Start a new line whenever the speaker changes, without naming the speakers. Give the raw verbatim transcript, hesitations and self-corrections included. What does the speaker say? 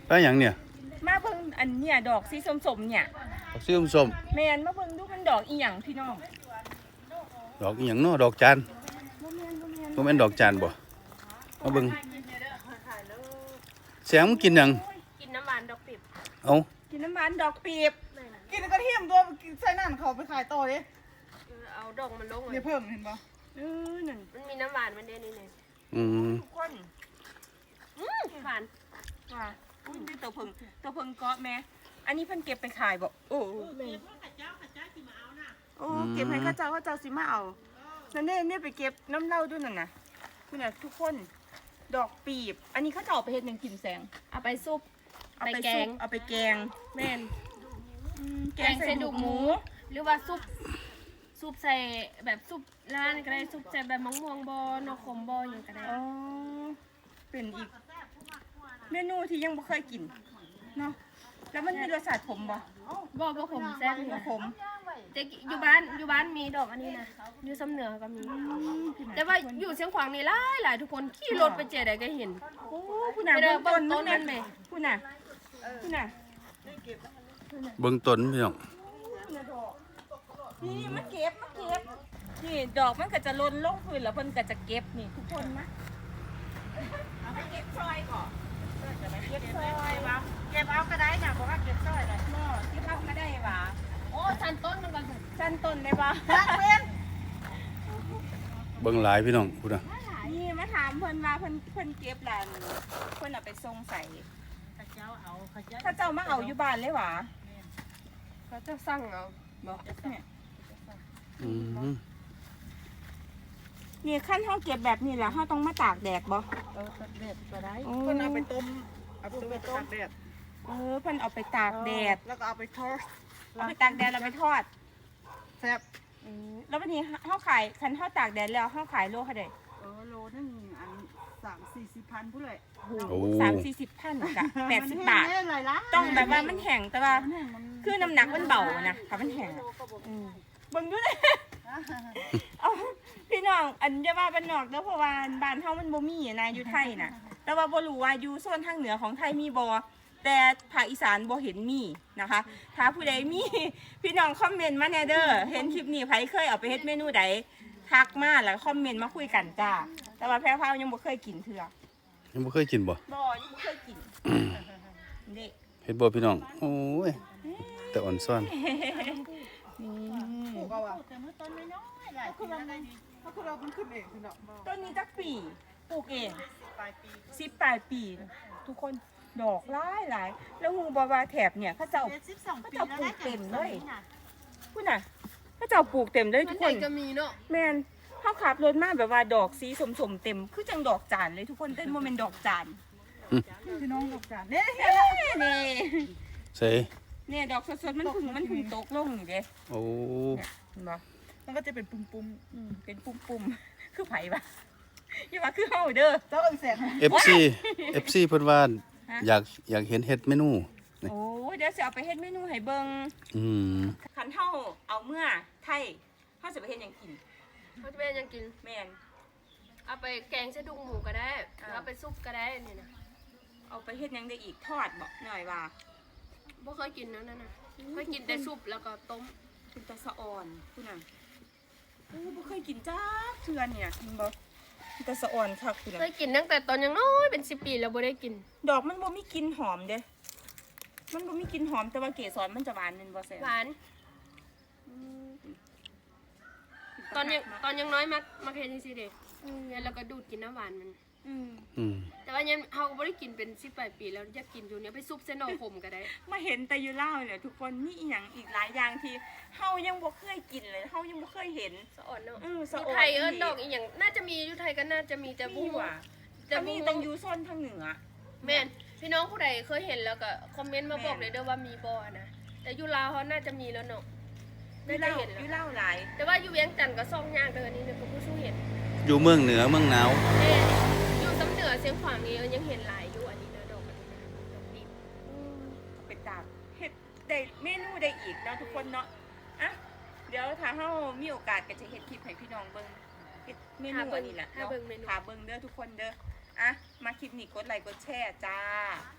ไปหยังเนี่ย
มาเบิ่งอันเนี่ยดอกสีส้มๆเนี่ย
ดอกสีส้ม
แม่นมาเบิ่งดูมันดอกอีหยังพี่น้อง
ดอกอีหยังเนาะดอกจานบ่แม่นดอกจานบ่มาเบิ่งแสงมึงกินหยัง
กินน้ำหวานดอกปีบ
เอ้า
กินน้ำหวานดอกปีบ
กินกระเทียมตัวใส่นั่นเขาไปขายต่อดิ
เอาดอกมันลง
เลยเพิ่มเห็นปะ
เออนั่น
มันมีน้ำหวานมันเด่นนี่เนี่ย
อืม
ทุกคน
อืมหวาน
ว่าอุ้ยนี่ตัวเพิ่งตัวเพิ่งเกาะแม่อันนี้เพิ่นเก็บไปขายบ่โอ้แม่โอ้เก็บให้ข้าเจ้าข้าเจ้าสิมาเอานั่นเนี่ยเนี่ยไปเก็บน้ำเหล้าด้วยนั่นน่ะคุณน่ะทุกคนดอกปีบอันนี้ข้าเจ้าเอาไปเฮ็ดหยังกินแสง
เอาไปซุป
เอาไปแกงเอาไปแกง
แม่น
แกงใส่ดุกหมู
หรือว่าซุปซุปใส่แบบซุปร้านก็ได้ซุปใส่แบบมะม่วงบอนขมบออย่างก็ได้
อ๋อเป็นอีกเมนูที่ยังไม่เคยกินเนาะแล้วมันมีรสชาติขมบ่
บอบอขมแซ่บ
บ่ขม
แต่อยู่บ้านอยู่บ้านมีดอกอันนี้นะอยู่ซ้ำเหนือก็มีแต่ว่าอยู่เชียงขวางนี่หลายหลายทุกคนขี่รถไปเจอได้ก็เห็น
โอ้ผู้น่ะเบิ่งต้นมันแม่ผู้น่ะผู้น่ะ
เบิ่งต้นพี่น้อง
นี่มาเก็บมาเก็บนี่ดอกมันก็จะหล่นลงพื้นแล้วเพิ่นก็จะเก็บนี่ทุกคนนะเอาไปเก็บซอยก่อนจะไปเก็บซอยบ่เก็บเอาก็ได้น่ะบ่ว่าเก็บซอยได้เนาะเก็บเอาก็ได้บ่
โอ้ชั้นต้นมันก็
ชั้นต้นได้บ่
เบิ่งหลายพี่น้องพูดน่ะ
นี่มาถามเพิ่นว่าเพิ่นเพิ่นเก็บแล้วเพิ่นเอาไปส่งใส่ข้าเจ้าเอาข้าเจ้ามาเอาอยู่บ้านเลยหว่า
เขาจะสั่งเอา
บ่เนี่ย
อืม
นี่ขั้นเฮาเก็บแบบนี้แหละเฮาต้องมาตากแดดบ่
เออตากแดดก็ได้เพิ่นเอาไปต้มเอาไปต้มตากแดด
เออเพิ่นเอาไปตากแดด
แล้วก็เอาไปทอด
เอาไปตากแดดแล้วไปทอด
แซ่บ
แล้ววันนี้เฮาขายคันเฮาตากแดดแล้วเฮาขายโลเท่าใด
เออโลนึงอันสามสี่สิบพันผู้เลย
โอ้สามสี่สิบพันกะแปดสิบบาทต้องแบบว่ามันแห้งแต่ว่าคือน้ำหนักมันเบานะถ้ามันแห้งเบิ่งดูเลยพี่น้องอันจะว่าบ้านนอกเด้อเพราะว่าบ้านเฮามันบ่มีนะอยู่ไทยน่ะแต่ว่าบ่รู้ว่าอยู่โซนทางเหนือของไทยมีบ่แต่ภาคอีสานบ่เห็นมีนะคะถ้าผู้ใดมีพี่น้องคอมเมนต์มาแน่เด้อเห็นคลิปนี้ไผเคยเอาไปเฮ็ดเมนูใดทักมาแล้วคอมเมนต์มาคุยกันจ้าแต่ว่าแพรวพาวยังบ่เคยกินเทื่อ
ยังบ่เคยกินบ่
บ่ยังบ่เคยกินเด็ก
เฮ็ดบ่พี่น้องโอ้ยแต่อ่อนซ่อน
ปลูกเอาอ่ะแต่เมื่อต้นน้อยๆหลายปีแล้วได้ดีเพราะเรามันขึ้นเองคือเนาะ
ต้นนี้จักปีปลูกเอง
ปลายปี
สิบปลายปีทุกคนดอกหลายหลายแล้วฮู้บ่ว่าแถบเนี่ยเขาเจ้าเขาเจ้าปลูกเต็มเลยพุ่นน่ะเขาเจ้าปลูกเต็มเลยทุกคน
ก็มีเนาะ
แม่นเฮาขับรถมาแบบว่าดอกสีสมๆเต็มคือจังดอกจานเลยทุกคนแต่บ่แม่นดอกจาน
พี่น้องดอกจานนี่
นี่
ใส่
เนี่ยดอกสดๆมันพึ่งมันพึ่งตกลงนี่เด้
โอ้
เห็นบ่
มันก็จะเป็นปุ่ม
ๆเป็นปุ่มๆคือไผวะอย่าว่าคือเฮาเด้อ
เจ้าเอิ้นแสง
เอฟ ซี เอฟ ซี เพิ่นว่าอยากอยากเห็นเฮ็ดเมนู
โอ้ยเดี๋ยวสิเอาไปเฮ็ดเมนูให้เบิ่ง
อืม
คันเฮาเอาเมื่อไทยเฮาสิไปเฮ็ดหยังกิน
เฮาสิไปเฮ็ดหยังกิน
แม่น
เอาไปแกงใส่ดุกหมูก็ได้เอาไปซุปก็ได้นี่นะ
เอาไปเฮ็ดหยังได้อีกทอดบ่หน่อยว่า
บ่เคยกินนั่นน่ะเคยกินแต่ซุปแล้วก็ต้ม
กินแต่สะอ่อนพุ่นน่ะโอ้บ่เคยกินจักเทื่อเนี่ยมึงบ่กินแต่สะอ่อนคักพุ่นน่ะ
เคยกินตั้งแต่ตอนยังน้อยเป็นสิบปีแล้วบ่ได้กิน
ดอกมันบ่มีกลิ่นหอมเด้มันบ่มีกลิ่นหอมแต่ว่าเกสรมันจะหวานแม่นบ่แซ่บ
หวานตอนยังตอนยังน้อยมักมักเฮ็ดจังซี่เด้อือแล้วก็ดูดกินน้ำหวานมัน
อืม
อืม
แต่ว่ายังเฮาบ่ได้กินเป็นสิบปลายปีแล้วอยากกินอยู่เนี่ยไปซุปเส้นหน่อขมก็ได้
มาเห็นแต่อยู่ลาวเนี่ยทุกคนมีอีหยังอีกหลายอย่างที่เฮายังบ่เคยกินเลยเฮายังบ่เคยเห็น
สะอ่อนเนาะ
อือสะอ่อน
ไทยเอิ้นดอกอีหยังน่าจะมีอยู่ไทยก็น่าจะมีแต่บ่ฮู้ว่า
จะมีต้องอยู่โซนทางเหนือ
แม่นพี่น้องผู้ใดเคยเห็นแล้วก็คอมเมนต์มาบอกเลยเด้อว่ามีบ่นะแต่อยู่ลาวเขาน่าจะมีแล้วเนาะ
น่าจะเห็นอยู่ลาวหลาย
แต่ว่าอยู่เวียงจันทน์ก็ซ่องยากเด้อนี่เนี่ยบ่ฮู้เห็น
อยู่เมืองเหนือเมืองหนาว
แม่อยู่ซ้ำเหนือเชียงขวางนี่ยังเห็นหลายอยู่อันนี้เด้อดอกอันนี้นะดอกดิบ
อืมไปตากเฮ็ดได้เมนูได้อีกเนาะทุกคนเนาะอ่ะเดี๋ยวถ้าเฮามีโอกาสก็จะเฮ็ดคลิปให้พี่น้องเบิ่งเฮ็ดเมนูอันนี้แหละเนาะหาเบิ่งเด้อทุกคนเด้ออ่ะมาคลิปนี้กดไลค์กดแชร์จ้า